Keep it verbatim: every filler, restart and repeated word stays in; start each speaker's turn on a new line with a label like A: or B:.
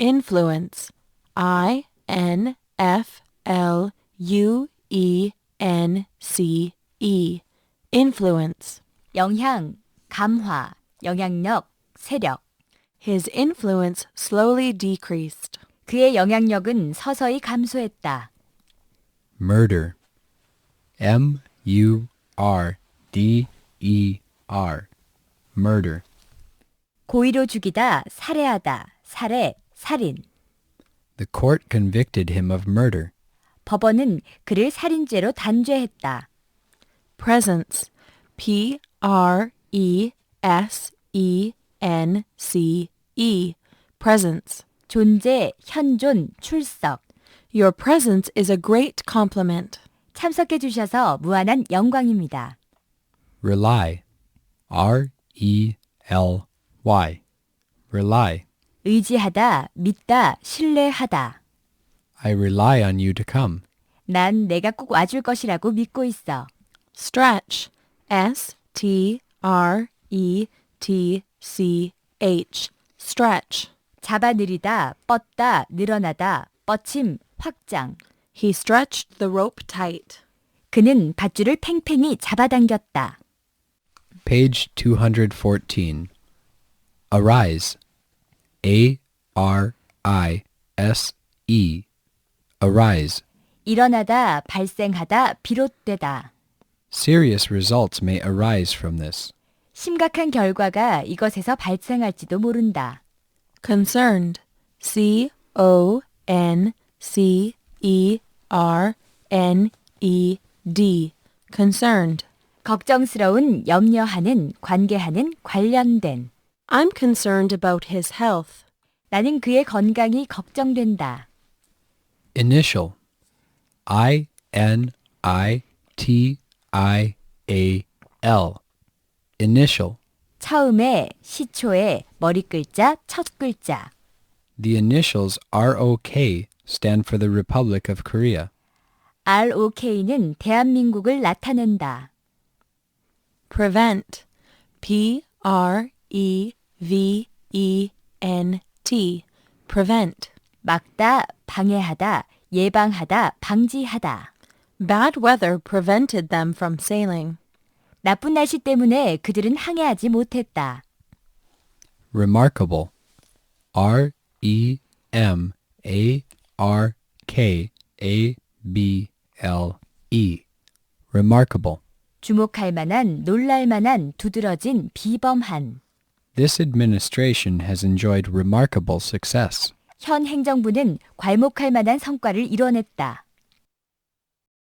A: Influence. I N F L U E N C E. Influence.
B: 영향, 감화, 영향력, 세력.
A: His influence slowly decreased.
B: 그의 영향력은 서서히 감소했다.
C: Murder. M U R D E R. Murder.
B: 고의로 죽이다, 살해하다, 살해, 살인.
C: The court convicted him of murder.
B: 법원은 그를 살인죄로 단죄했다.
A: Presence. P R E S E N C E. Presence.
B: 존재, 현존, 출석.
A: Your presence is a great compliment.
B: 참석해 주셔서 무한한 영광입니다.
C: Rely. R E L Y. Rely.
B: 의지하다, 믿다, 신뢰하다.
C: I rely on you to come.
B: 난 내가 꼭 와줄 것이라고 믿고 있어.
A: Stretch. S T R E T C H. Stretch.
B: 잡아들이다, 뻗다, 늘어나다, 뻗침, 확장.
A: He stretched the rope tight.
B: 그는 밧줄을 팽팽히 잡아당겼다.
C: Page two fourteen. Arise. A R I S E. Arise.
B: 일어나다, 발생하다, 비롯되다.
C: Serious results may arise from this.
B: 심각한 결과가 이것에서 발생할지도 모른다.
A: Concerned. C O N C E R N E D. Concerned.
B: 걱정스러운, 염려하는, 관계하는, 관련된.
A: I'm concerned about his health.
B: 나는 그의 건강이 걱정된다.
C: Initial. I N I T I A L. Initial.
B: 처음에, 시초에, 머리 글자, 첫 글자.
C: The initials R O K stand for the Republic of Korea.
B: R O K는 대한민국을 나타낸다.
A: Prevent. P R E V E N T. Prevent.
B: 막다, 방해하다, 예방하다, 방지하다.
A: Bad weather prevented them from sailing.
B: 나쁜 날씨 때문에 그들은 항해하지 못했다.
C: Remarkable. R E M A R K A B L E. Remarkable.
B: 주목할 만한, 놀랄 만한, 두드러진, 비범한.
C: This administration has enjoyed remarkable success.
B: 현 행정부는 괄목할 만한 성과를 이뤄냈다.